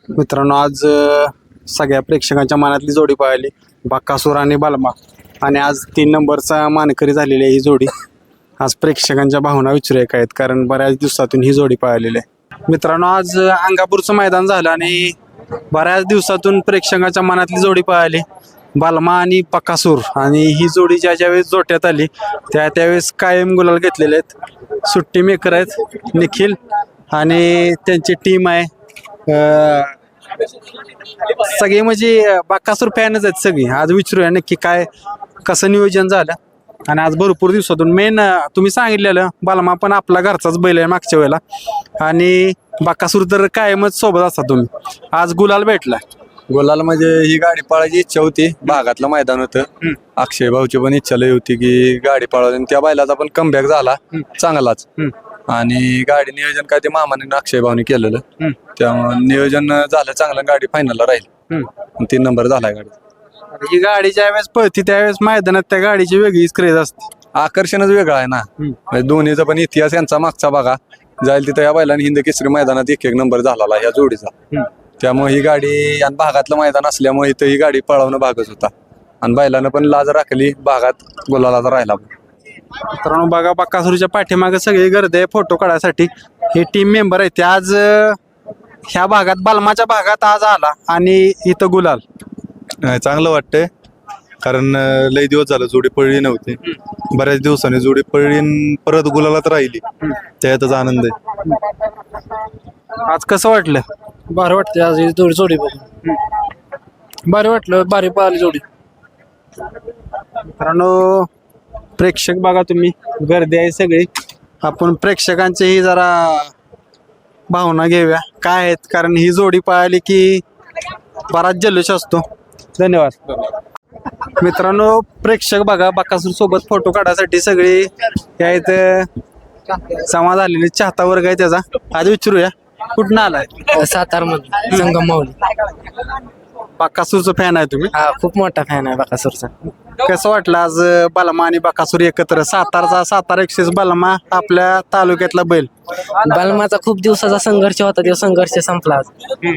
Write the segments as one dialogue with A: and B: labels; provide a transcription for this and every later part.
A: मित्रांनो आज सगळ्या प्रेक्षकांच्या मनातली जोडी पाहिली बकासूर आणि बालमा आणि आज 3 नंबरचा मानकरी झालेली आहे ही जोडी. आज प्रेक्षकांच्या भावना विचारूया काय आहेत कारण बऱ्याच दिवसातून ही जोडी पाहिलेली आहे. मित्रांनो आज अंगापूरचं मैदान झालं आणि बऱ्याच दिवसातून प्रेक्षकांच्या मनातली जोडी पाहिली बालमा आणि बकासूर आणि ही जोडी ज्या वेळेस जोट्यात आली त्यावेळेस कायम गुलाल घेतलेले आहेत. सुट्टी मेकर आहेत निखिल आणि त्यांची टीम आहे. सगळे म्हणजे बकासूर फॅनच आहेत सगळी. आज विचारूया नक्की काय कसं नियोजन झालं आणि आज भरपूर दिवसातून मेन तुम्ही सांगितलेलं बालमा पण आपला घरचाच बैल आहे मागच्या वेळेला आणि बकासूर तर कायमच सोबत असता तुम्ही. आज गुलाल भेटला.
B: गोलाला म्हणजे ही गाडी पळायची इच्छा होती. भागातलं मैदान होतं. अक्षय भाऊची पण इच्छा लई होती की गाडी पळावी आणि त्या बैलाचा पण कमबॅक झाला चांगलाच आणि गाडी नियोजन काय ते मामाने अक्षय भाऊनी केलेलं त्यामुळे नियोजन झालं चांगलं. गाडी फायनलला राहील 3 नंबर झालाय गाडी.
A: ही गाडी ज्या वेळेस पळती त्यावेळेस मैदानात त्या गाडीची वेगळीच क्रेज असते.
B: आकर्षणच वेगळं आहे ना. म्हणजे दोन्हीचा पण इतिहास यांचा मागचा बघा जाईल तिथं या बैलाने हिंद केसरी मैदानात 1-1 नंबर झाला या जोडीचा. त्यामुळे ही गाडी आणि भागातलं मैदान असल्यामुळे इथं ही गाडी पळवणं भागच होता आणि बैलानं पण लाज राखली भागात गुलालाचा राहिला.
A: मित्रांनो बघा बकासूरच्या पाठीमागे सगळी गर्दी आहे फोटो काढायसाठी. हे टीम मेंबर आहेत ते आज ह्या भागात बालमाच्या भागात आज आला आणि इथं गुलाल.
C: चांगलं वाटतंय कारण लई दिवस झालं जोडी पळली नव्हती. बऱ्याच दिवसांनी जोडी पळली आणि परत गुलालात राहिली त्यातच आनंद आहे.
A: आज कसं वाटलं?
D: भारी वाटते आज ही जोडी बघून. भारी वाटलं. भारी पाहिली जोडी.
A: मित्रांनो प्रेक्षक बघा तुम्ही गर्दी आहे सगळी. आपण प्रेक्षकांचीही जरा भावना घेऊया काय आहेत कारण ही जोडी पाहिली की बराच जल्लोष असतो. धन्यवाद. मित्रांनो प्रेक्षक बघा बकासूर सोबत फोटो काढायसाठी सगळी या इथं जमा झालेली चाहता वर्ग आहे त्याचा. आज विचारूया कुठं आलाय?
D: सातार मध्ये संगम माऊली.
A: बकासूरचं फॅन आहे तुम्ही?
D: हा खूप मोठा फॅन आहे बकासूरचा.
A: कसं वाटलं आज बालमा आणि बकासूर एकत्र? सातारा एक्सेस बालमा आपल्या तालुक्यातला बैल.
D: बलमाचा खूप दिवसाचा संघर्ष होता. तो संघर्ष संपला आज.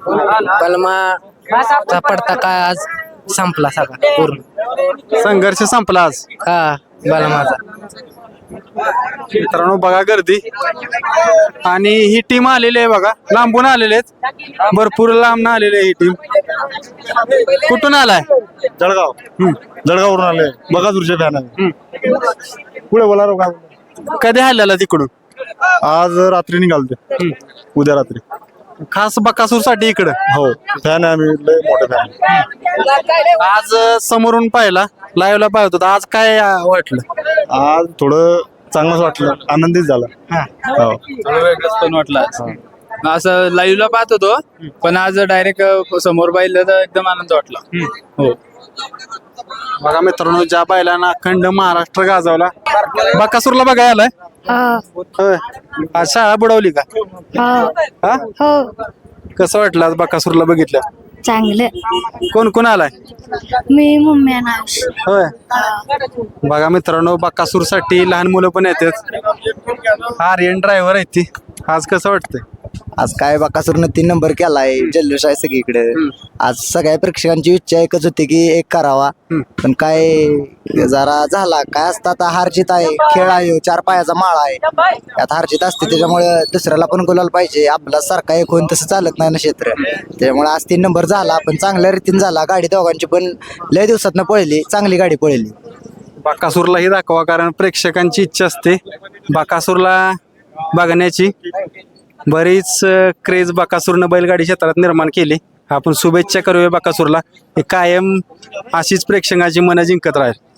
D: बलमाचा पडता काय आज संपला सगळा पूर्ण.
A: संघर्ष संपला आज.
D: हा बलमाचा.
A: मित्रांनो बघा गर्दी आणि ही टीम आलेली आहे बघा लांबून आलेले आहेत भरपूर लांब आलेली आहे ही टीम. कुठून आलाय?
C: जळगाववरून आले बकासूरचे फॅन आहे. पुढे बोला रो.
A: कधी आलेला तिकडून?
C: आज रात्री निघालते उद्या रात्री.
A: खास बकासूर साठी इकडं?
C: हो फॅन आहे आम्ही लय मोठे फॅन.
A: आज समोरून पाहिला लाईव्हला पाहत होता. आज काय वाटलं?
C: आज थोडं चांगलंच वाटलं. आनंदीच झाला. हो
E: वेगळंच पण वाटलं आज. असं लाईव्हला पाहत होतो पण आज डायरेक्ट समोर पाहिलं तर एकदम आनंद वाटला. हो
A: बघा मित्रांनो ज्या बैलांना अखंड महाराष्ट्र गाजवला बकासूरला बघायला आलाय. होय. आज शाळा बुडवली का? हा?
F: हो
A: कसं वाटलं आज बकासूरला बघितलं?
F: चांगलं.
A: कोण कोण आलाय?
F: मी मम्मी नाश.
A: होय. बघा मित्रांनो बकासूर साठी लहान मुलं पण येतात. आर्यन ड्रायव्हर आहेत ती. आज कसं वाटतंय?
G: आज काय बकासूरनं 3 नंबर केलाय. जल्लोष आहे सगळीकडे. आज सगळ्या प्रेक्षकांची इच्छा एकच होती की एक करावा पण काय जरा झाला. काय असतं आता हारजीत आहे. खेळ आहे. 4 पायाचा माळा आहे. यात हारजीत असते त्याच्यामुळे दुसऱ्याला पण गुलाल पाहिजे. आपला सारखा एक होऊन तसं चालत नाही ना क्षेत्र. त्यामुळे आज 3 नंबर झाला पण चांगल्या रीतीने झाला. गाडी दोघांची पण लय दिवसातनं पळली. चांगली गाडी पळली.
A: बकासूरलाही दाखवा कारण प्रेक्षकांची इच्छा असते बकासूरला बघण्याची. बरीच क्रेज बकासूरनं बैलगाडी क्षेत्रात निर्माण केली. आपण शुभेच्छा करूया बकासूरला. हे कायम अशीच प्रेक्षकांची मनं जिंकत राहील.